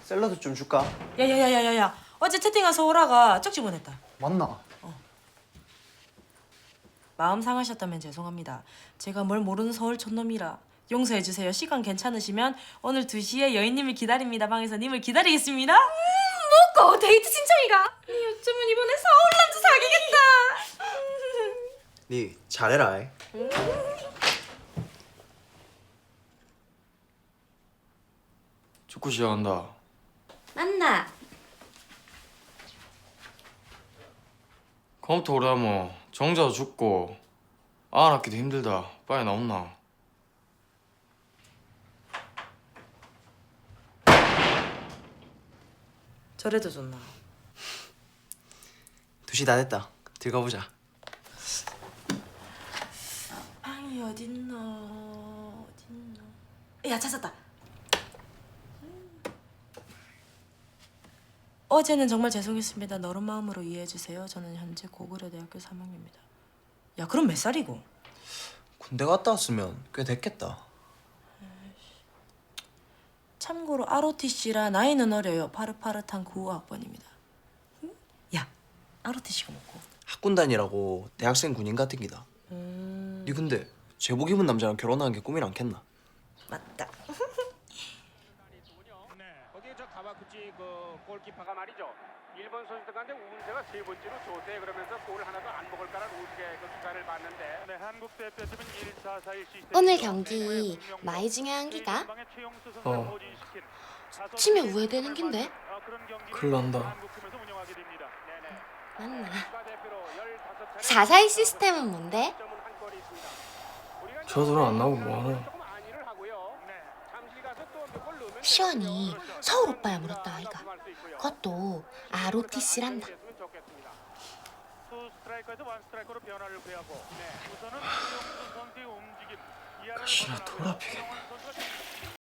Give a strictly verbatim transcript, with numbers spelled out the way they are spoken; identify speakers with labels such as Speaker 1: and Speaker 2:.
Speaker 1: 샐러드 좀 줄까?
Speaker 2: 야야야야야야. 어제 채팅한 서울아가 쪽지 보냈다.
Speaker 1: 맞나?
Speaker 2: 마음 상하셨다면 죄송합니다. 제가 뭘 모르는 서울 촌놈이라 용서해 주세요. 시간 괜찮으시면 오늘 두 시에 여인님을 기다립니다. 방에서 님을 기다리겠습니다.
Speaker 3: 뭐고 데이트 신청이가? 니 어쩌면 이번에 서울 남자 사귀겠다.
Speaker 1: 니 잘해라. 이.
Speaker 4: 축구 시작한다.
Speaker 3: 맞나?
Speaker 4: 컴퓨터 오래 하면 정자도 죽고 아 낳기도 힘들다. 빨리 나온나.
Speaker 2: 저래도 좋나.
Speaker 1: 두 시 다 됐다. 들어가 보자.
Speaker 2: 방이 어딨노? 어딨노? 야 찾았다. 어제는 정말 죄송했습니다. 너른 마음으로 이해해 주세요. 저는 현재 고구려대학교 삼 학년입니다. 야 그럼 몇 살이고?
Speaker 1: 군대 갔다 왔으면 꽤 됐겠다.
Speaker 2: 참고로 알오티씨라 나이는 어려요. 파릇파릇한 구호 학번입니다. 응? 야 알오티씨가 뭐고?
Speaker 1: 학군단이라고 대학생 군인 같은 기다.
Speaker 2: 음
Speaker 1: 니 근데 제복 입은 남자랑 결혼하는 게 꿈이 않겠나?
Speaker 2: 맞다.
Speaker 5: 네, 거기에 저 가와구치 그 골키퍼가 말이죠. 일본 선수들 가운데 운세가 세 번째로 좋대. 그러면서 골 하나도 안 먹을까라는 우스개 그 수사를 봤는데. 네, 한국 대표팀은 일사사일 시스템.
Speaker 3: 오늘 경기 많이 중요한 기가?
Speaker 4: 어.
Speaker 3: 치면 우회되는 긴데?
Speaker 4: 큰일 난다.
Speaker 3: 맞나? 사사이 시스템은 뭔데?
Speaker 4: 저들은 안 나오고 뭐하노.
Speaker 3: 시원이 서울 오빠야 물었다 아이가. 그것도 알오티씨란다.
Speaker 4: 가시나 돌아피겠네.